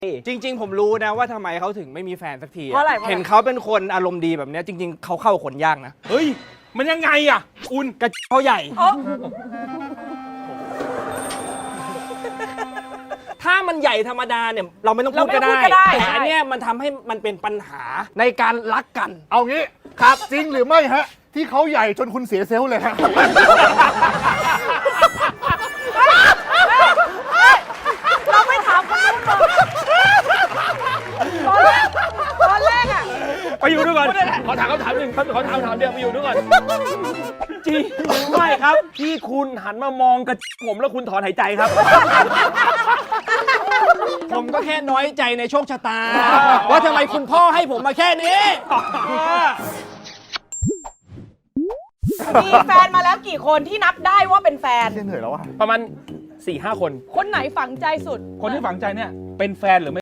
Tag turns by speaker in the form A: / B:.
A: จริงๆผมรู้นะว่าทำไมเขาถึงไม่มีแฟนสักที
B: เพราะอะไร
A: เห็นเขาเป็นคนอารมณ์ดีแบบเนี้ยจริงๆเขาเข้าคนยากนะ
C: เฮ้ยมันยังไงอ่ะอุ่น
A: กระเขาใหญ่ ถ้ามันใหญ่ธรรมดาเนี่ยเราไม่ต้องพูดก็ได้แต่อันเนี้ยมันทำให้มันเป็นปัญหาในการรักกัน
D: เอางี้ครับจริงหรือไม่ฮะ ที่เขาใหญ่จนคุณเสียเซลล์เลยฮะ
B: เราไม่ถามคนนู้นตอนแรกอ่ะ
C: ไปอยู่ด้วยก่อนขอถามคำถามหนึ่งขอถามคำถามเดียวไปอยู่ด้วยก่อนจริงหรือไม่ครับที่คุณหันมามองกระผมแล้วคุณถอนหายใจครับ
A: ผมก็แค่น้อยใจในโชคชะตา ว่าทำไมคุณพ่อให้ผมมาแค่นี้
B: มีแฟนมาแล้วกี่คนที่นับได้ว่าเป็นแฟน
D: เหนื่อยแล้วอะ
C: ประมาณ 4-5 คน
B: คนไหนฝังใจสุด
C: คนที่ฝังใจเนี่ยเป็นแฟนหรือไม่